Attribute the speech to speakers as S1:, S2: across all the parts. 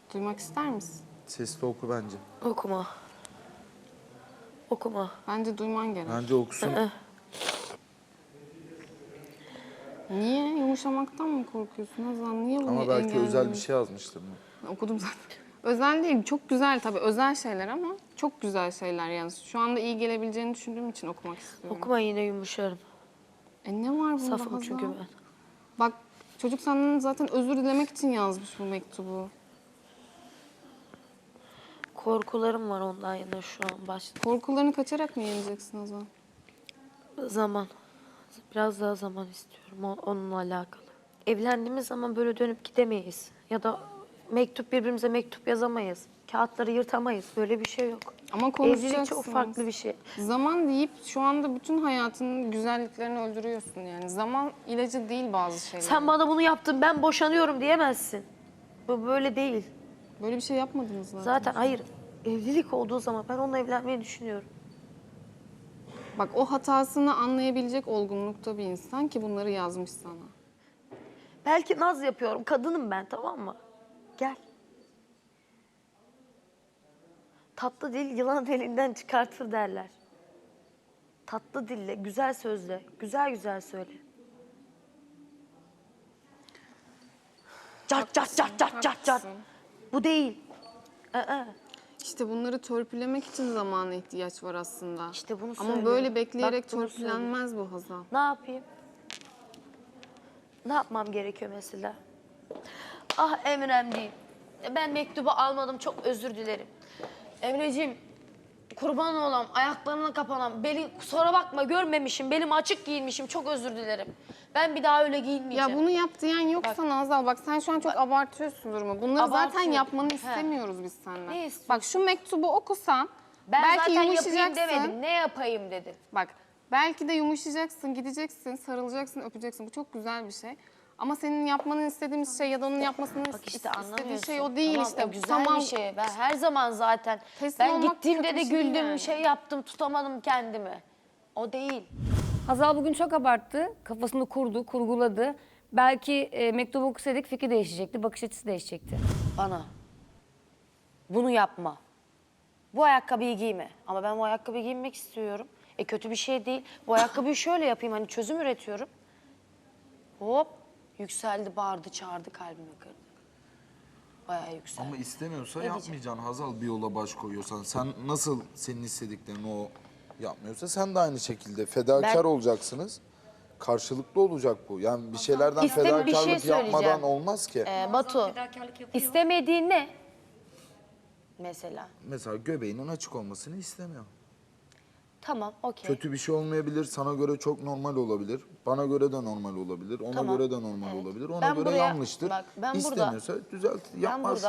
S1: Duymak ister misin?
S2: Sesli oku bence.
S3: Okuma. Okuma.
S1: Bence duyman gerek.
S2: Bence okusun.
S1: Niye? Yumuşamaktan mı korkuyorsun Hazal? Niye bunu
S2: Ama belki özel bir
S1: engelliyorsun?
S2: şey yazmıştır mı?
S1: Okudum zaten. Özel değil, çok güzel tabii. Özel şeyler ama çok güzel şeyler yani. Şu anda iyi gelebileceğini düşündüğüm için okumak istiyorum.
S3: Okuma yine yumuşarım.
S1: Ne var bunda
S3: Safım
S1: Hazal?
S3: çünkü ben.
S1: Bak çocuk senden zaten özür dilemek için yazmış bu mektubu.
S3: Korkularım var ondan yine şu an başta.
S1: Korkularını kaçarak mı yeneceksin Hazal?
S3: Zaman. Biraz daha zaman istiyorum onunla alakalı. Evlendiğimiz zaman böyle dönüp gidemeyiz. Ya da birbirimize mektup yazamayız. Kağıtları yırtamayız. Böyle bir şey yok.
S1: Ama konuşacaksınız.
S3: Evlilik çok farklı bir şey.
S1: Zaman deyip şu anda bütün hayatının güzelliklerini öldürüyorsun yani. Zaman ilacı değil bazı şeyler.
S3: Sen bana bunu yaptın, ben boşanıyorum diyemezsin. Bu böyle değil.
S1: Böyle bir şey yapmadınız zaten.
S3: Zaten hayır, evlilik olduğu zaman ben onunla evlenmeyi düşünüyorum.
S1: Bak o hatasını anlayabilecek olgunlukta bir insan ki bunları yazmış sana.
S3: Belki naz yapıyorum, kadınım ben, tamam mı? Gel. Tatlı dil yılan elinden çıkartır derler. Tatlı dille, güzel sözle, güzel güzel söyle. Cat cat cat cat cat cat.
S1: Haklısın.
S3: Bu değil.
S1: İşte bunları törpülemek için zamana ihtiyaç var aslında.
S3: İşte bunu
S1: Ama
S3: söylüyorum.
S1: böyle bekleyerek
S3: Bak, bunu
S1: törpülenmez bu Hazal.
S3: Ne yapayım? Ne yapmam gerekiyor mesela? Ah Emre'm değil. Ben mektubu almadım, çok özür dilerim. Emreciğim, kurban olam, ayaklarına kapanan, kusura bakma görmemişim, belim açık giyinmişim, çok özür dilerim. Ben bir daha öyle giyinmeyeceğim.
S1: Ya bunu yap diyen yok sana Hazal. Bak sen şu an çok abartıyorsun durumu. Bunları zaten
S3: Abartıyorum.
S1: yapmanı
S3: He.
S1: istemiyoruz biz senden.
S3: Ne istiyorsun?
S1: Bak şu mektubu okusan
S3: Ben
S1: belki
S3: zaten yapayım
S1: yumuşayacaksın.
S3: demedim, ne yapayım dedim.
S1: Bak belki de yumuşayacaksın, gideceksin, sarılacaksın, öpeceksin. Bu çok güzel bir şey. Ama senin yapmanı istediğimiz şey ya da onun yapmasını
S3: Bak işte
S1: istediği
S3: anlamıyorsun.
S1: şey o değil
S3: Tamam,
S1: işte.
S3: o güzel
S1: Tamam.
S3: bir şey. Ben her zaman zaten,
S1: Teslim
S3: ben
S1: olmak
S3: gittiğimde
S1: kötü
S3: de
S1: bir şey
S3: güldüm,
S1: yani.
S3: şey yaptım, tutamadım kendimi. O değil.
S4: Hazal bugün çok abarttı. Kafasını kurdu, kurguladı. Belki mektubu okusaydık fikri değişecekti, bakış açısı değişecekti.
S3: Bana. Bunu yapma. Bu ayakkabıyı giyme. Ama ben bu ayakkabıyı giymek istiyorum. Kötü bir şey değil. Bu ayakkabıyı şöyle yapayım, hani çözüm üretiyorum. Hop, yükseldi, bağırdı, çağırdı, kalbimi kırdı. Bayağı yükseldi.
S2: Ama istemiyorsa
S3: Ne
S2: yapmayacaksın Hazal, bir yola baş koyuyorsan. Sen nasıl senin istediklerini o yapmıyorsa sen de aynı şekilde fedakar olacaksınız. Karşılıklı olacak bu. Yani bir şeylerden
S3: Bir şey
S2: fedakarlık
S3: söyleyeceğim.
S2: yapmadan olmaz ki.
S3: Batu, istemediğin ne? Mesela.
S2: Mesela göbeğinin açık olmasını istemiyor.
S3: Tamam, okey.
S2: Kötü bir şey olmayabilir, sana göre çok normal olabilir. Bana göre de normal olabilir, ona
S3: Tamam.
S2: göre de normal olabilir. Ona
S3: Ben
S2: göre
S3: buraya-
S2: yanlıştır.
S3: bak, ben burada-
S2: İstemiyorsa düzelt, yapmazsın.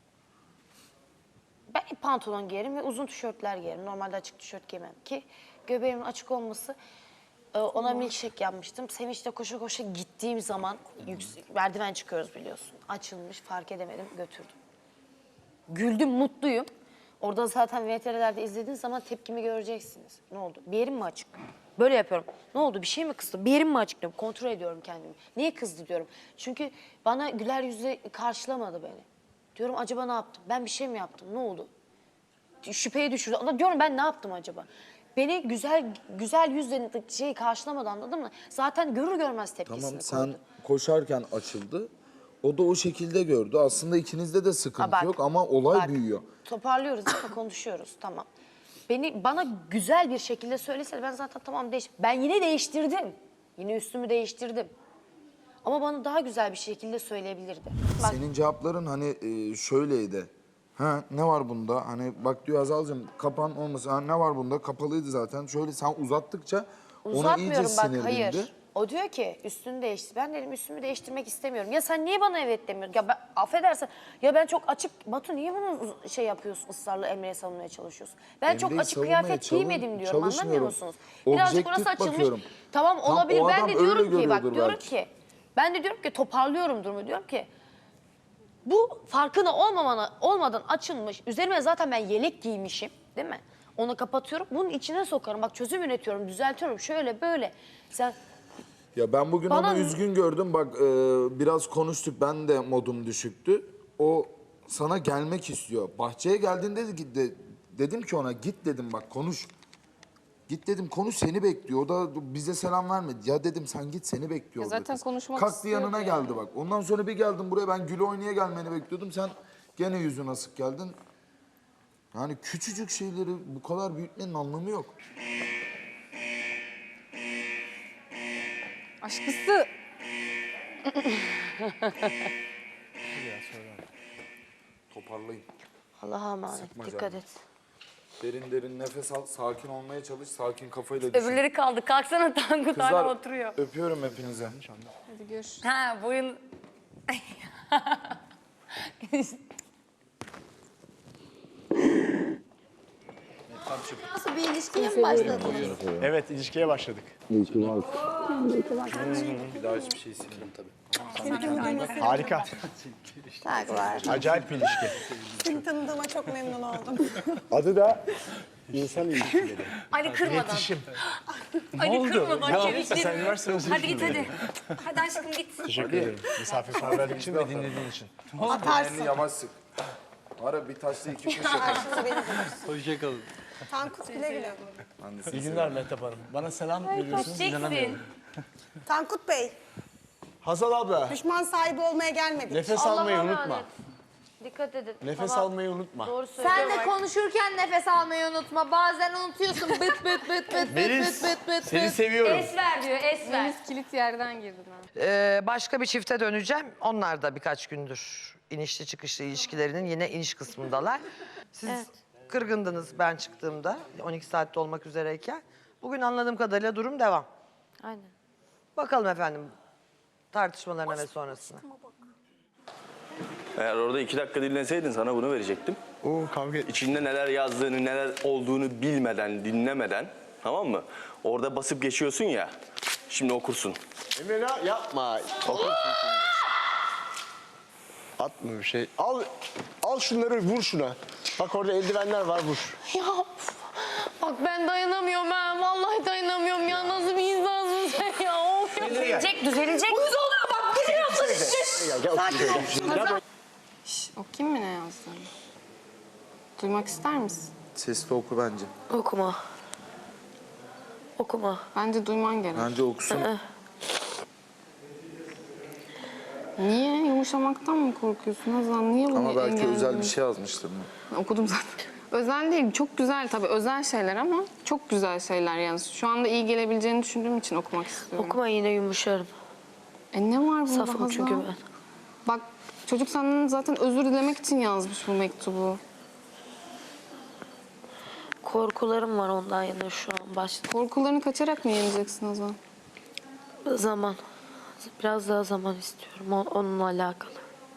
S3: Ben pantolon giyerim ve uzun tişörtler giyerim. Normalde açık tişört giymem ki göbeğimin açık olması, ona milkshake yapmıştım. Sevinçle koşa koşa gittiğim zaman merdiven çıkıyoruz biliyorsun. Açılmış, fark edemedim, götürdüm. Güldüm, mutluyum. Orada zaten VTR'lerde izlediğiniz zaman tepkimi göreceksiniz. Ne oldu? Bir yerim mi açık? Böyle yapıyorum. Ne oldu? Bir şey mi kızdı? Bir yerim mi açık diyorum. Kontrol ediyorum kendimi. Niye kızdı diyorum. Çünkü bana güler yüzle karşılamadı beni. Diyorum acaba ne yaptım? Ben bir şey mi yaptım? Ne oldu? Şüpheye düşürdü. Ama diyorum ben ne yaptım acaba? Beni güzel yüzle karşılamadı, anladın mı? Zaten görür görmez tepkisini
S2: Tamam,
S3: koydu.
S2: sen koşarken açıldı. O da o şekilde gördü. Aslında ikinizde de sıkıntı
S3: Bak,
S2: yok ama olay
S3: bak,
S2: büyüyor.
S3: Toparlıyoruz değil mi? Konuşuyoruz, tamam. Bana güzel bir şekilde söylese ben zaten tamam Ben yine değiştirdim. Yine üstümü değiştirdim. Ama bana daha güzel bir şekilde söyleyebilirdi. Bak,
S2: Senin cevapların hani şöyleydi. Ha, ne var bunda? Hani bak diyor Hazal'cığım, kapan olmasın. Ha, ne var bunda? Kapalıydı zaten. Şöyle sen uzattıkça ona iyice
S3: uzatmıyorum bak,
S2: sinirlendi.
S3: hayır. O diyor ki üstünü değiştir. Ben dedim üstümü değiştirmek istemiyorum. Ya sen niye bana evet demiyorsun? Ya ben affedersen, ya ben çok açık... Batu niye bunu şey yapıyorsun, ısrarla Emre'ye savunmaya çalışıyorsun? Ben çok
S2: Emre'yi
S3: açık
S2: savunmaya
S3: kıyafet giymedim diyorum, anlamıyor
S2: çalışmıyorum.
S3: musunuz? Birazcık
S2: Objektif
S3: orası açılmış.
S2: bakıyorum.
S3: Tamam
S2: Tam
S3: olabilir,
S2: o
S3: ben
S2: adam
S3: de
S2: öyle
S3: diyorum ki bak
S2: görüyordur
S3: diyorum
S2: belki.
S3: ki... Ben de diyorum ki toparlıyorum durumu, diyorum ki... Bu farkına olmadan açılmış. Üzerime zaten ben yelek giymişim, değil mi? Onu kapatıyorum. Bunun içine sokarım. Bak çözüm üretiyorum, düzeltiyorum. Şöyle böyle. Sen
S2: Ya ben bugün
S3: Bana-
S2: onu üzgün gördüm. Bak biraz konuştuk. Ben de modum düşüktü. O sana gelmek istiyor. Bahçeye geldiğinde dedim ki ona git dedim bak konuş. Git dedim konuş seni bekliyor. O da bize selam vermedi. Ya dedim sen git seni bekliyor.
S1: Ya
S2: orada
S1: zaten
S2: kız.
S1: konuşmak
S2: Kalktı
S1: istiyordu
S2: yanına
S1: yani.
S2: geldi bak. Ondan sonra bir geldim buraya ben gül oynaya gelmeni bekliyordum. Sen gene yüzün asık geldin. Yani küçücük şeyleri bu kadar büyütmenin anlamı yok.
S1: Aşkısı.
S2: Toparlayın.
S3: Allah'a emanet.
S2: Sıkma
S3: Dikkat
S2: canını.
S3: et.
S2: Derin derin nefes al. Sakin olmaya çalış. Sakin kafayla düşün.
S4: Öbürleri kaldı. Kalksana Tankut
S2: Kızlar
S4: hala oturuyor.
S2: öpüyorum hepinizi.
S1: Hadi görüşürüz.
S4: Ha boyun...
S5: Nasıl bir ilişkiye mi başladınız?
S6: Evet, ilişkiye başladık.
S2: Bir daha hiçbir şey silmem tabii.
S6: Harika.
S5: Tak var.
S6: Acayip bir ilişki.
S5: Seni tanıdığıma çok memnun oldum.
S6: Adı da insan ilişkileri.
S4: Ali kırmadan.
S6: İletişim.
S4: Ali kırmadan çevikleri.
S6: Sen üniversite mezunu
S4: Hadi git hadi. Hadi aşkım git.
S6: Teşekkür ederim. Misafirperverlik için ve dinlediğin için.
S2: Elini yavaş sık. Var ya bir taşla iki kuş yaparım.
S5: Tankut güle güle.
S6: İyi günler Mehtap Hanım. Bana selam veriyorsunuz, inanamıyorum.
S4: Çeksin.
S5: Tankut Bey,
S6: Hazal abla,
S5: düşman sahibi olmaya gelmedik.
S6: nefes almayı unutma.
S4: Dikkat edin.
S6: Nefes almayı unutma.
S4: Doğru söylüyor.
S7: Sen de konuşurken nefes almayı unutma. Bazen unutuyorsun. Bıt bıt bıt bıt bıt
S6: Melis,
S7: bıt bıt bıt.
S6: seni seviyorum.
S4: Es ver diyor, es ver.
S1: Deniz kilit yerden girdi.
S8: Başka bir çifte döneceğim. Onlar da birkaç gündür inişli çıkışlı ilişkilerinin yine iniş kısmındalar. Siz kırgındınız ben çıktığımda 12 saatte olmak üzereyken. Bugün anladığım kadarıyla durum devam.
S3: Aynen.
S8: Bakalım efendim tartışmalarına ve sonrasına.
S9: Eğer orada 2 dakika dinleseydin sana bunu verecektim.
S6: Oo kavga
S9: İçinde neler yazdığını, neler olduğunu bilmeden, dinlemeden, tamam mı? Orada basıp geçiyorsun ya, şimdi okursun.
S6: Emre yapma. Atma bir şey. Al şunları vur şuna. Bak orada eldivenler var vur.
S7: Ya of. Bak ben dayanamıyorum ha. Vallahi dayanamıyorum ya. Nasıl bir insansın sen ya? Of ya.
S4: Düzelecek, düzelecek.
S7: Uyuz oluyor bak. Geliyor
S1: Okuyayım mı ne yazdığını? Duymak ister misin?
S2: Sesli oku bence.
S3: Okuma. Okuma.
S1: Bence duyman gerek.
S2: Bence okusun.
S1: Niye? Yumuşamaktan mı korkuyorsun Hazan? Niye bunu
S2: Ama belki özel
S1: engelledin?
S2: bir şey yazmıştır.
S1: Ben okudum zaten. Özel değil, çok güzel tabii. Özel şeyler ama çok güzel şeyler yani. Şu anda iyi gelebileceğini düşündüğüm için okumak istiyorum.
S3: Okuma yine yumuşarım.
S1: Ne var bunda
S3: Safım
S1: Hazan?
S3: çünkü ben.
S1: Bak çocuk senden zaten özür dilemek için yazmış bu mektubu.
S3: Korkularım var ondan yana şu an başta.
S1: Korkularını kaçarak mı yeneceksin Hazan?
S3: Zaman. Biraz daha zaman istiyorum onunla alakalı.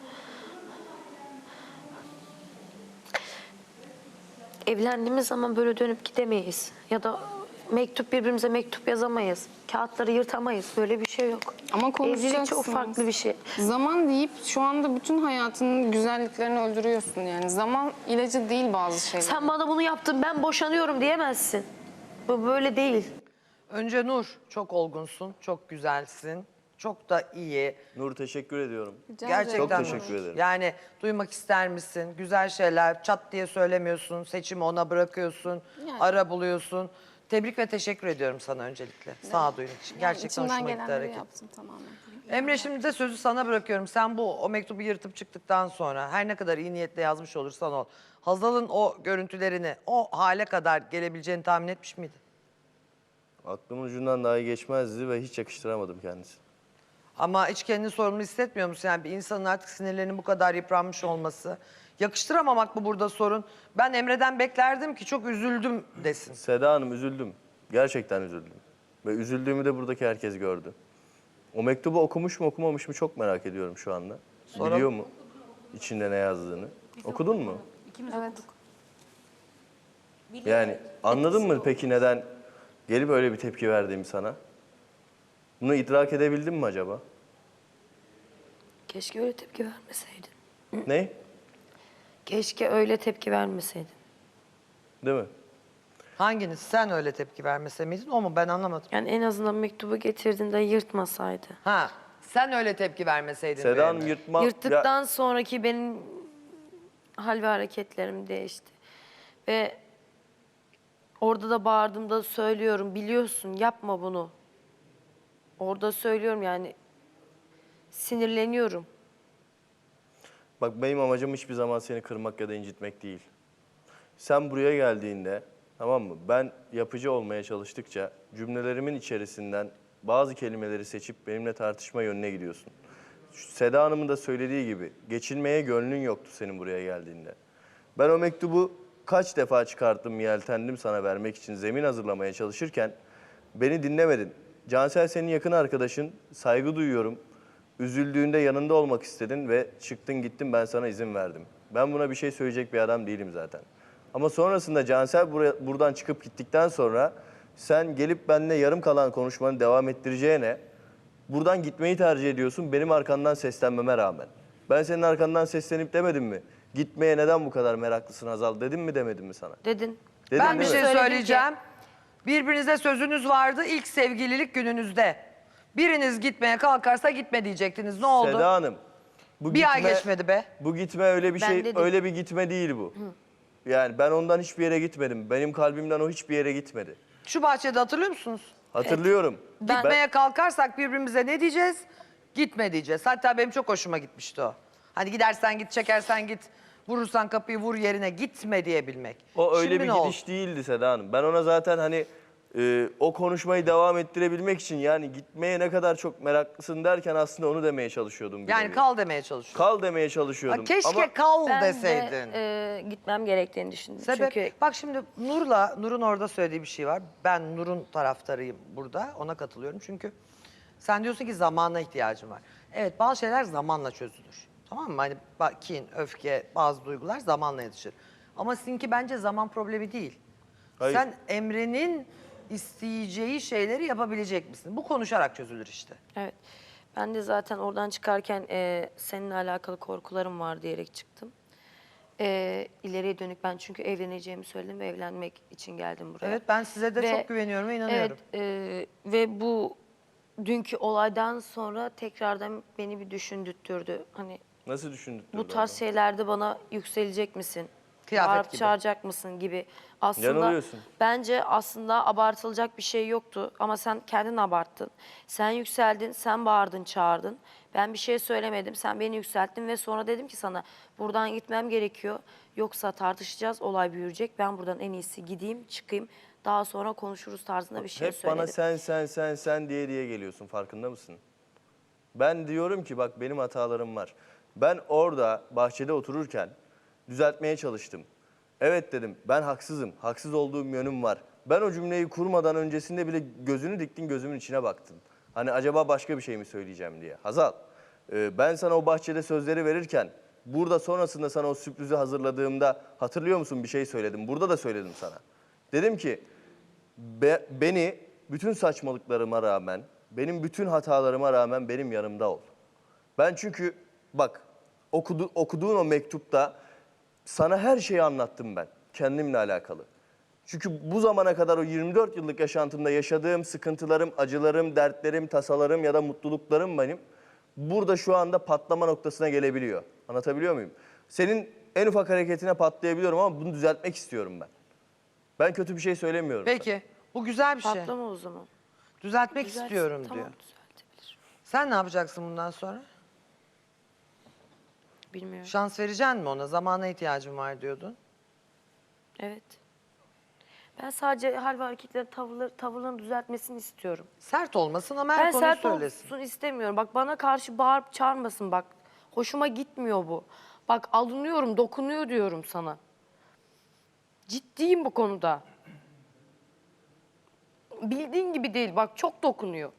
S3: Evlendiğimiz zaman böyle dönüp gidemeyiz. Ya da birbirimize mektup yazamayız. Kağıtları yırtamayız. Böyle bir şey yok.
S1: Ama
S3: Evlilik
S1: konuşacaksınız.
S3: çok farklı bir şey.
S1: Zaman deyip şu anda bütün hayatının güzelliklerini öldürüyorsun yani. Zaman ilacı değil bazı şeyler.
S3: Sen bana bunu yaptın, ben boşanıyorum diyemezsin. Bu böyle değil.
S8: Önce Nur çok olgunsun, çok güzelsin, çok da iyi.
S9: Nur teşekkür ediyorum.
S8: Gerçekten
S9: Çok
S8: Nur.
S9: teşekkür ederim.
S8: Yani duymak ister misin? Güzel şeyler çat diye söylemiyorsun, seçimi ona bırakıyorsun, ara buluyorsun. Tebrik ve teşekkür ediyorum sana öncelikle. Sağduyun için. Gerçekten
S1: İçimden
S8: hoşuma gitti
S1: gelenleri
S8: hareket.
S1: yaptım tamamen.
S8: Emre şimdi de sözü sana bırakıyorum. Sen o mektubu yırtıp çıktıktan sonra her ne kadar iyi niyetle yazmış olursan ol. Hazal'ın o görüntülerini o hale kadar gelebileceğini tahmin etmiş miydin?
S9: Aklımın ucundan dahi geçmezdi ve hiç yakıştıramadım kendisini.
S8: Ama hiç kendini sorumlu hissetmiyor musun? Yani bir insanın artık sinirlerinin bu kadar yıpranmış olması. Yakıştıramamak mı burada sorun? Ben Emre'den beklerdim ki çok üzüldüm desin.
S9: Seda Hanım üzüldüm. Gerçekten üzüldüm. Ve üzüldüğümü de buradaki herkes gördü. O mektubu okumuş mu okumamış mı çok merak ediyorum şu anda.
S8: Sonra-
S9: Biliyor mu içinde ne yazdığını? Okudun mu?
S1: Evet.
S9: Yani anladın mı peki neden gelip öyle bir tepki verdiğimi sana? Bunu idrak edebildin mi acaba?
S3: Keşke öyle tepki vermeseydin.
S9: Ne?
S3: Keşke öyle tepki vermeseydin.
S9: Değil mi?
S8: Hanginiz? Sen öyle tepki vermese miydin? O mu? Ben anlamadım.
S3: Yani en azından mektubu getirdiğinde yırtmasaydı.
S8: Ha, sen öyle tepki vermeseydin.
S9: Seda
S8: be
S9: Hanım
S8: Emre.
S9: yırtma...
S3: Yırttıktan sonraki benim
S7: hal ve hareketlerim değişti. Ve orada da bağırdığımda söylüyorum, biliyorsun yapma bunu. Orada söylüyorum yani sinirleniyorum.
S9: Bak benim amacım hiçbir zaman seni kırmak ya da incitmek değil. Sen buraya geldiğinde, tamam mı? Ben yapıcı olmaya çalıştıkça cümlelerimin içerisinden bazı kelimeleri seçip benimle tartışma yönüne gidiyorsun. Seda Hanım'ın da söylediği gibi geçilmeye gönlün yoktu senin buraya geldiğinde. Ben o mektubu kaç defa çıkarttım, yeltendim sana vermek için zemin hazırlamaya çalışırken beni dinlemedin. Cansel senin yakın arkadaşın, saygı duyuyorum. Üzüldüğünde yanında olmak istedin ve çıktın gittin, ben sana izin verdim. Ben buna bir şey söyleyecek bir adam değilim zaten. Ama sonrasında Cansel buradan çıkıp gittikten sonra sen gelip benimle yarım kalan konuşmanı devam ettireceğine buradan gitmeyi tercih ediyorsun benim arkandan seslenmeme rağmen. Ben senin arkandan seslenip demedim mi? Gitmeye neden bu kadar meraklısın Hazal dedim mi demedim mi sana?
S7: Dedin.
S9: Dedim
S8: Ben bir
S9: değil mi?
S8: şey söyleyeceğim. Birbirinize sözünüz vardı ilk sevgililik gününüzde. Biriniz gitmeye kalkarsa gitme diyecektiniz. Ne oldu?
S9: Seda Hanım. Bu
S8: Bir ay geçmedi be.
S9: Bu gitme öyle bir
S7: Ben
S9: şey,
S7: dedim.
S9: öyle bir gitme değil bu. Yani ben ondan hiçbir yere gitmedim. Benim kalbimden o hiçbir yere gitmedi.
S8: Şu bahçede hatırlıyor musunuz?
S9: Hatırlıyorum.
S8: Gitmeye kalkarsak birbirimize ne diyeceğiz? Gitme diyeceğiz. Hatta benim çok hoşuma gitmişti o. Hani gidersen git, çekersen git, vurursan kapıyı vur yerine gitme diyebilmek.
S9: O öyle
S8: Şimdi
S9: bir
S8: ne oldu?
S9: gidiş değildi Seda Hanım. Ben ona zaten hani o konuşmayı devam ettirebilmek için yani gitmeye ne kadar çok meraklısın derken aslında onu demeye çalışıyordum. bir
S8: Yani
S9: nevi.
S8: kal demeye çalışıyorum.
S9: Kal demeye çalışıyordum.
S8: Keşke
S9: Ama
S8: kal
S7: Ben
S8: deseydin.
S7: de gitmem gerektiğini düşündüm.
S8: Sebep,
S7: Çünkü
S8: bak şimdi Nur'un orada söylediği bir şey var. Ben Nur'un taraftarıyım burada, ona katılıyorum. Çünkü sen diyorsun ki zamana ihtiyacım var. Evet, bazı şeyler zamanla çözülür. Tamam mı? Hani kin, öfke, bazı duygular zamanla yetişir. Ama sizinki bence zaman problemi değil.
S9: Hayır.
S8: Sen Emre'nin isteyeceği şeyleri yapabilecek misin? Bu konuşarak çözülür işte.
S7: evet. Ben de zaten oradan çıkarken seninle alakalı korkularım var diyerek çıktım. İleriye dönük ben çünkü evleneceğimi söyledim ve evlenmek için geldim buraya.
S8: Evet, ben size de
S7: Ve-
S8: çok güveniyorum ve inanıyorum.
S7: Evet ve bu dünkü olaydan sonra tekrardan beni bir düşündürttürdü. Hani
S9: nasıl düşündük?
S7: bu tarz şeylerde bana yükselecek misin?
S8: Kıyafet
S7: Bağırıp
S8: gibi.
S7: çağıracak mısın gibi. Aslında
S9: Yanılıyorsun.
S7: bence aslında abartılacak bir şey yoktu ama sen kendin abarttın. Sen yükseldin, sen bağırdın, çağırdın. Ben bir şey söylemedim, sen beni yükselttin ve sonra dedim ki sana buradan gitmem gerekiyor. Yoksa tartışacağız, olay büyüyecek. Ben buradan en iyisi gideyim, çıkayım. Daha sonra konuşuruz tarzında bir şey
S9: Hep
S7: söyledim.
S9: bana sen diye geliyorsun, farkında mısın? Ben diyorum ki bak benim hatalarım var. Ben orada bahçede otururken düzeltmeye çalıştım. Evet dedim, ben haksızım, haksız olduğum yönüm var. Ben o cümleyi kurmadan öncesinde bile gözünü diktin, gözümün içine baktın. Hani acaba başka bir şey mi söyleyeceğim diye. Hazal, ben sana o bahçede sözleri verirken, burada sonrasında sana o sürprizi hazırladığımda hatırlıyor musun bir şey söyledim. Burada da söyledim sana. Dedim ki, beni bütün saçmalıklarıma rağmen, benim bütün hatalarıma rağmen benim yanımda ol. Ben çünkü bak okuduğun o mektupta sana her şeyi anlattım ben kendimle alakalı. Çünkü bu zamana kadar o 24 yıllık yaşantımda yaşadığım sıkıntılarım, acılarım, dertlerim, tasalarım ya da mutluluklarım benim burada şu anda patlama noktasına gelebiliyor. Anlatabiliyor muyum? Senin en ufak hareketine patlayabiliyorum ama bunu düzeltmek istiyorum ben. Ben kötü bir şey söylemiyorum.
S8: Peki, bu güzel bir şey.
S7: Patlama o zaman.
S8: Düzeltmek
S7: Düzeltsin,
S8: istiyorum
S7: tamam,
S8: diyor.
S7: düzeltebilir.
S8: Sen ne yapacaksın bundan sonra?
S7: Bilmiyorum.
S8: Şans vereceksin mi ona? Zamana ihtiyacım var diyordun.
S7: Evet. Ben sadece hal ve hareketleri, tavırlarını düzeltmesini istiyorum.
S8: Sert olmasın ama
S7: Ben
S8: her konuyu
S7: sert
S8: söylesin.
S7: olsun istemiyorum. Bak bana karşı bağırıp çağırmasın bak. Hoşuma gitmiyor bu. Bak alınıyorum, dokunuyor diyorum sana. Ciddiyim bu konuda. Bildiğin gibi değil bak çok dokunuyor.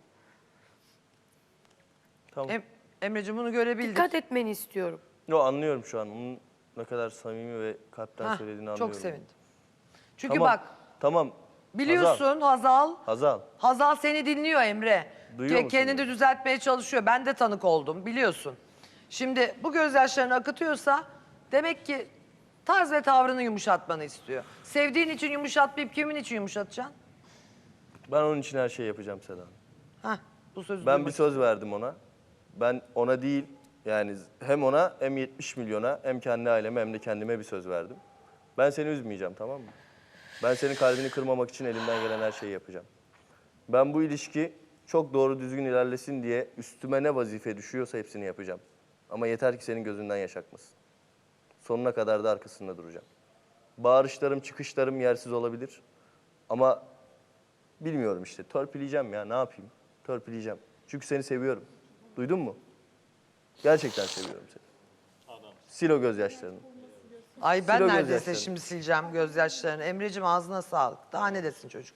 S9: Tamam.
S8: Emre'ciğim bunu görebildik.
S7: Dikkat etmeni istiyorum.
S9: Yo, anlıyorum şu an. Onun ne kadar samimi ve kalpten
S8: Hah,
S9: söylediğini anlıyorum.
S8: çok sevindim. Çünkü
S9: Tamam,
S8: bak
S9: Tamam.
S8: biliyorsun Hazal,
S9: Hazal.
S8: Hazal seni dinliyor Emre.
S9: Duyuyor musun
S8: Kendini
S9: beni?
S8: düzeltmeye çalışıyor. Ben de tanık oldum biliyorsun. Şimdi bu gözyaşlarını akıtıyorsa demek ki tarz ve tavrını yumuşatmanı istiyor. Sevdiğin için yumuşatmayıp kimin için yumuşatacaksın?
S9: Ben onun için her şeyi yapacağım Seda Hanım.
S8: Hah, bu sözü
S9: Ben
S8: duymak
S9: bir söz verdim ona. Ben ona değil, Yani hem ona hem 70 milyona hem kendi aileme hem de kendime bir söz verdim. Ben seni üzmeyeceğim, tamam mı? Ben senin kalbini kırmamak için elimden gelen her şeyi yapacağım. Ben bu ilişki çok doğru düzgün ilerlesin diye üstüme ne vazife düşüyorsa hepsini yapacağım. Ama yeter ki senin gözünden yaş akmasın. Sonuna kadar da arkasında duracağım. Bağırışlarım, çıkışlarım yersiz olabilir. Ama bilmiyorum işte, törpüleyeceğim ya, ne yapayım? Törpüleyeceğim. Çünkü seni seviyorum. Duydun mu? Gerçekten seviyorum seni. Sil o gözyaşlarını.
S8: Ay ben
S9: Sil o
S8: neredeyse
S9: gözyaşlarını.
S8: şimdi sileceğim gözyaşlarını. Emre'cim ağzına sağlık. Daha ne desin çocuk?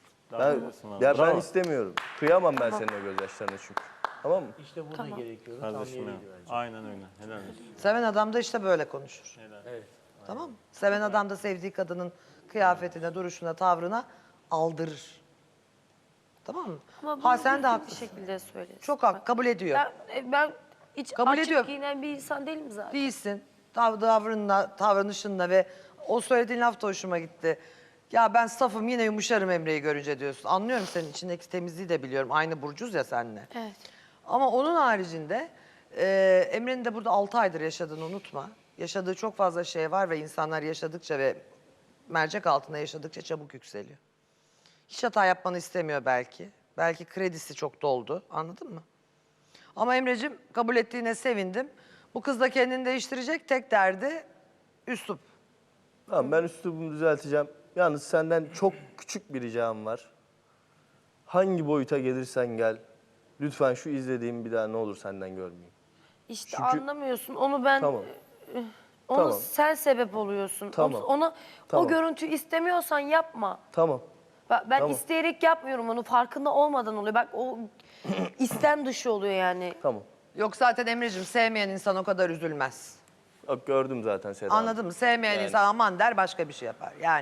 S9: Ben istemiyorum. Kıyamam ben senin o gözyaşlarına çünkü. Tamam mı?
S10: Kardeşim ya. Aynen öyle. Helal olsun.
S8: Seven adam da işte böyle konuşur. Tamam mı? Seven adam da sevdiği kadının kıyafetine, duruşuna, tavrına aldırır. Tamam mı?
S7: Ama
S8: Ha
S7: bunu
S8: sen de
S7: düzgün
S8: haklısın.
S7: bir şekilde söylesin.
S8: Çok hak, kabul ediyor.
S7: Ben hiç
S8: Kabul
S7: açık
S8: ediyor.
S7: giyinen bir insan değilim zaten.
S8: Değilsin. Davranışınla, davranışınla ve o söylediğin laf da hoşuma gitti. Ya ben safım yine yumuşarım Emre'yi görünce diyorsun. Anlıyorum senin içindeki temizliği de biliyorum. Aynı burcuz ya seninle.
S7: Evet.
S8: Ama onun haricinde Emre'nin de burada 6 aydır yaşadığını unutma. Yaşadığı çok fazla şey var ve insanlar yaşadıkça ve mercek altında yaşadıkça çabuk yükseliyor. Hiç hata yapmanı istemiyor belki. Belki kredisi çok doldu. Anladın mı? Ama Emre'cim kabul ettiğine sevindim. Bu kız da kendini değiştirecek. Tek derdi üslup.
S9: Tamam, ben üslubumu düzelteceğim. Yalnız senden çok küçük bir ricam var. Hangi boyuta gelirsen gel. Lütfen şu izlediğimi bir daha ne olur senden görmeyeyim.
S7: İşte
S9: Çünkü-
S7: anlamıyorsun. Onu ben
S9: Tamam.
S7: onu
S9: Tamam.
S7: sen sebep oluyorsun.
S9: Tamam.
S7: Ona
S9: Tamam.
S7: o görüntüyü istemiyorsan yapma.
S9: Tamam.
S7: Ben
S9: Tamam.
S7: isteyerek yapmıyorum onu. Farkında olmadan oluyor. Bak o istem dışı oluyor yani.
S9: Tamam.
S8: Yok zaten Emre'cim sevmeyen insan o kadar üzülmez.
S9: Bak gördüm zaten Seda Hanım.
S8: Anladın mı? Sevmeyen
S9: Yani-
S8: insan aman der başka bir şey yapar. Yani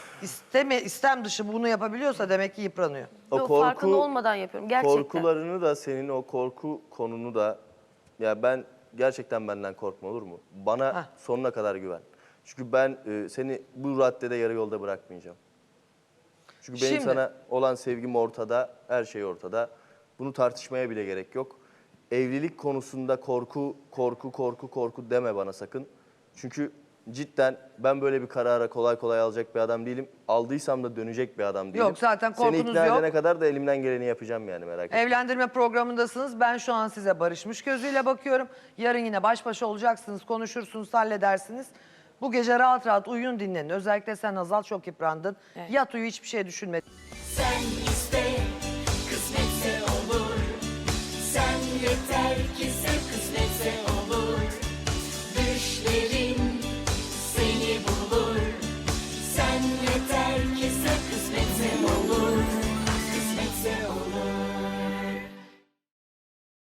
S8: istem dışı bunu yapabiliyorsa demek ki yıpranıyor.
S9: O
S7: Yok, farkında olmadan yapıyorum. Gerçekten.
S9: Korkularını da senin o korku konunu da ya ben gerçekten benden korkma, olur mu? Bana
S8: Heh.
S9: sonuna kadar güven. Çünkü ben seni bu raddede yarı yolda bırakmayacağım. Çünkü benim
S8: Şimdi-
S9: sana olan sevgim ortada, her şey ortada. Bunu tartışmaya bile gerek yok. Evlilik konusunda korku deme bana sakın. Çünkü cidden ben böyle bir karara kolay kolay alacak bir adam değilim. Aldıysam da dönecek bir adam değilim.
S8: Yok, zaten
S9: Seni
S8: korkunuz
S9: ikna
S8: yok.
S9: edene kadar da elimden geleni yapacağım yani, merak etme.
S8: Evlendirme programındasınız. Ben şu an size barışmış gözüyle bakıyorum. Yarın yine baş başa olacaksınız, konuşursunuz, halledersiniz. Bu gece rahat rahat uyuyun, dinlenin. Özellikle sen Hazal çok yıprandın. Yat uyu, hiçbir şey düşünme.
S11: Sen iste, kısmetse olur. Sen yeter ki sev.